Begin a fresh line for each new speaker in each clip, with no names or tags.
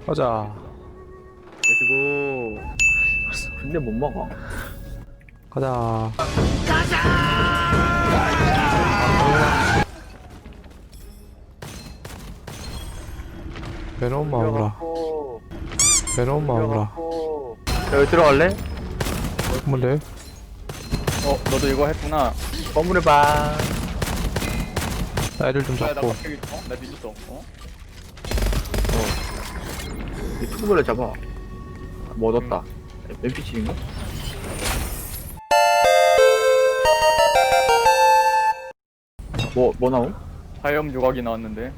가자.
그리고 근데 못 먹어.
가자. 베놈 마우라. 베놈 마우라.
여기 들어갈래?
뭔데?
너도 이거 했구나.
건물의 방.
나 애들 좀
나
잡고.
갑자기 나 믿었어.
이 투구를 잡아. 뭐 얻었다. NPC인가? 뭐 나옴?
화염 조각이 나왔는데.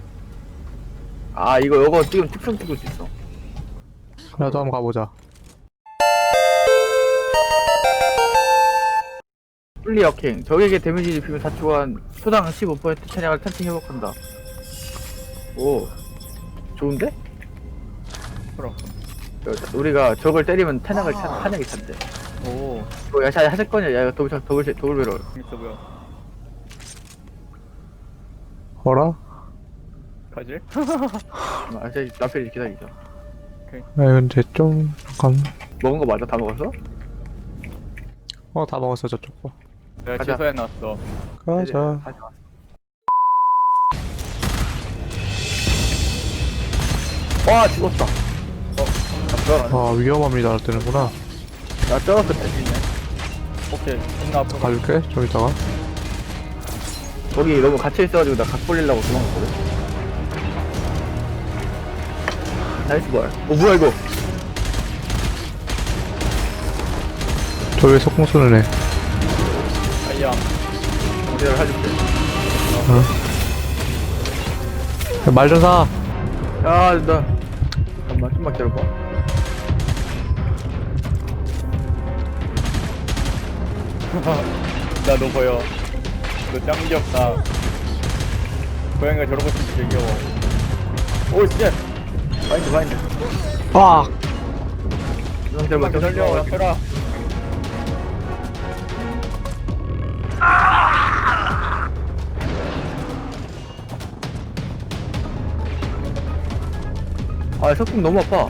아 이거 지금 특성 찍을 수 있어.
나도 한번 가보자.
플리 역행. 적에게 데미지를 입히면 4초간 초당 15% 찬약을 탄팅 회복한다. 오 좋은데?
그럼.
우리가 적을 때리면 탄약이 찬대.
오,
이거 하실 거냐? 야 이거 더블 배럴.
재밌어 보여.
어라?
가지?
아 저기 남편이 기다리자.
아 근데 좀 잠깐.
먹은 거 맞아? 다 먹었어?
다 먹었어 저쪽 거.
내가
가자.
취소해놨어.
가자.
가자. 와 죽었다.
아 위험합니다 뜨는구나.
나 쩔었을 때.
오케이, 존나 앞으로 가.
가줄게 저기다가.
거기 너무 갇혀 있어가지고 나 각 벌리려고 도망갔거든. 나이스 볼. 뭐야 이거?
저 왜 석궁 쏘는 애?
아이야.
내가 해줄게.
말 좀 사.
야, 나 잠깐만 좀만 기다려봐.
나 너 보여. 너 짱 귀엽다. 고양이가 저러고 있으면 되게 귀여워. 오, 씨!
마인드.
아.
기다려봐.
기다려, 펴라.
아, 석궁 너무 아파.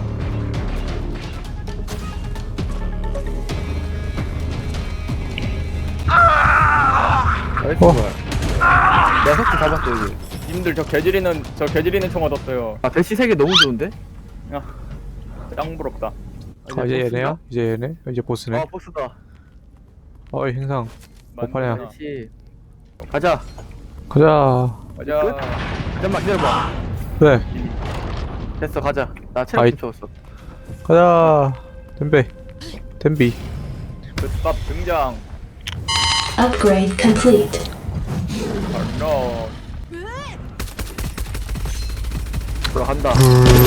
나이스 볼. 내가 석궁 잡았어 여기.
님들 저 개지리는 총 얻었어요.
아, 대시 세개 너무 좋은데?
야, 짱 부럽다.
아 이제 얘네야? 이제 얘네? 이제 보스네.
아, 보스다.
어이 행상. 오빠야.
맞나?
대시. 가자.
가자.
가자.
잠깐만 기다려봐.
네.
됐어, 가자. 나 체력
아이.
좀 채웠어.
가자. 덤비.
끝밥 등장.
Upgrade complete.
발로.
돌아간다.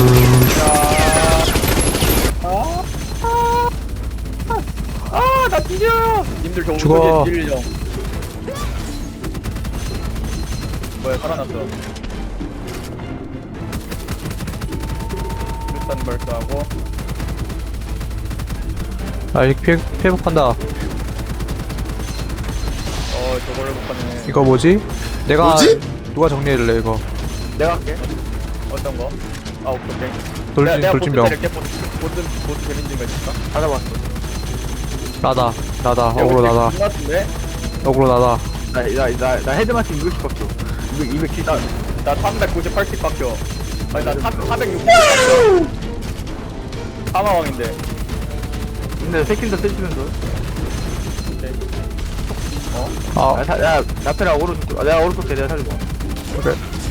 나 뒤져! 님들 저
죽어.
우주에 딜령. 뭐야, 살아났어. 일단 발사하고.
아 이렇게 회복한다.
저걸 회복하네.
이거 뭐지? 내가 누가 정리해줄래 이거?
내가 할게.
어떤 거? 아, 오케이.
돌진병.
보스 재밌는 거 있을까?
다 잡았어.
나다. 어그로 나다.
같은데?
어그로 나다.
나 헤드마치 200씩 박혀. 270.
나 398씩 박혀. 아니, 나 460씩 박혀. 사마왕인데.
근데 새끼들 떼주면서.
아
야, 나페랑 오른쪽. 내가 오른쪽 때 내가 살리고.
그래.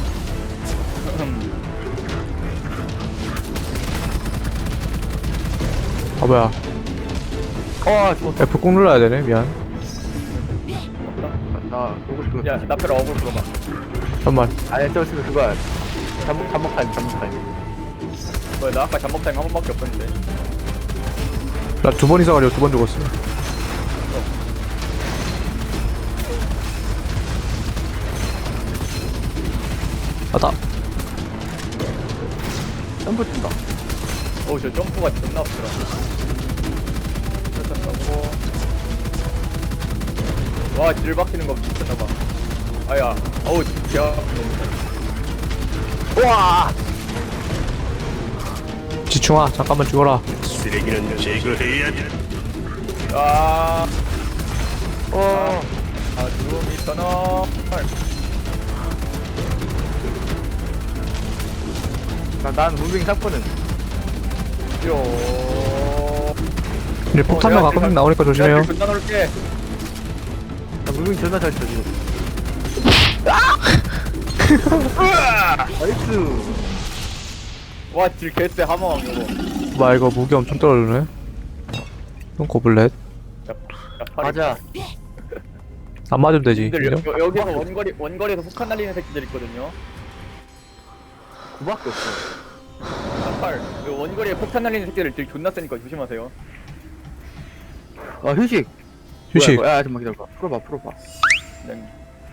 아 뭐야?
죽었다.
F 꾹 눌러야 되네. 미안.
나 보고 싶은 거.
야, 나페라 어글 풀어봐.
잠만.
아니, 저 지금 그거야. 잠복 타임.
뭐야, 나 아까 잠복 타임 한 번밖에 없었는데.
나 두 번 이상하려 2번 죽었어. 아다.
점프 뛴다.
저 점프가 존나 없더라. 일단 가고. 와, 딜 박히는 거 미쳤나봐. 아야, 어우, 진짜.
우와!
지충아 잠깐만 죽어라.
쓰레기는 제거해야 돼.
아,
어.
죽음이 떠나.
난 무빙 샀거든.
요.
근데 폭탄만 가끔씩 나오니까 조심해요.
존나 놀게.
나 무빙 존나 잘 쳐, 지금. 나이스.
와, 질 개쎄 하마왕 이거.
와 이거 무기 엄청 떨어지네. 이건 고블렛.
맞아.
안 맞으면 되지.
님들
인정?
여기서 원거리에서 폭탄 날리는 새끼들 있거든요.
그밖에 없어.
헐, 원거리에 폭탄 날리는 새끼들 되게 존나 세니까 조심하세요.
아, 휴식.
휴식.
뭐야, 야, 잠깐만 기다려봐. 풀어봐.
네.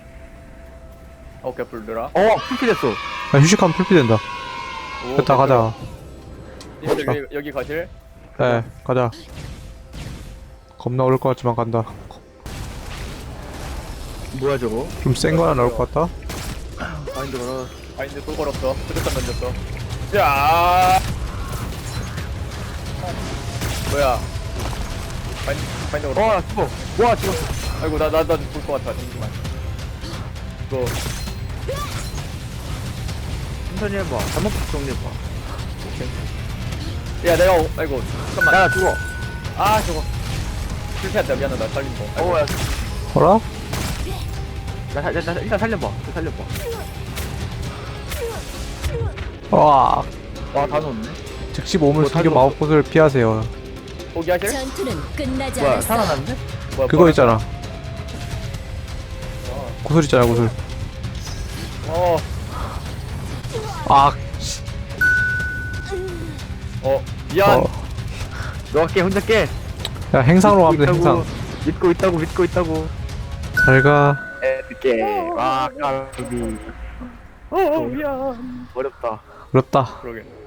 오케이, 불들아.
풀피 됐어.
야, 휴식하면 풀피 된다. 됐다 가자.
님들 여기 가실?
네 가자. 겁나 어려울 것 같지만 간다.
뭐야, 저거?
좀 센 거 하나 나올 것 같다.
마인드 걸어.
바인드 또 걸었어. 수류탄 던졌어. 야. 뭐야? 바인드 걸었어.
나 죽어. 와, 죽었어.
아이고 나 죽을 것 같아. 잠시만. 이거
천천히 해봐. 잘못 정리해봐.
야 내가 아이고 잠깐만.
야, 죽어.
아 저거 실패했다. 미안하다. 살린 거. 아이고.
야.
어라?
나 일단 살려봐.
와
와, 다 넣었네.
즉시 몸을
뭐,
숨겨
다
마법구슬을 피하세요.
포기하실?
전투는 끝나지
뭐야,
않았어.
살아났네?
뭐야,
그거
뭐야?
있잖아. 구슬 있잖아 구슬.
어.
아.
미안.
어.
너가 깨, 혼자 깨.
야 행상으로 가면 돼 행상.
믿고 있다고.
잘가.
깨. 와, 까비.
미안.
어렵다.
어렵다.
그러게.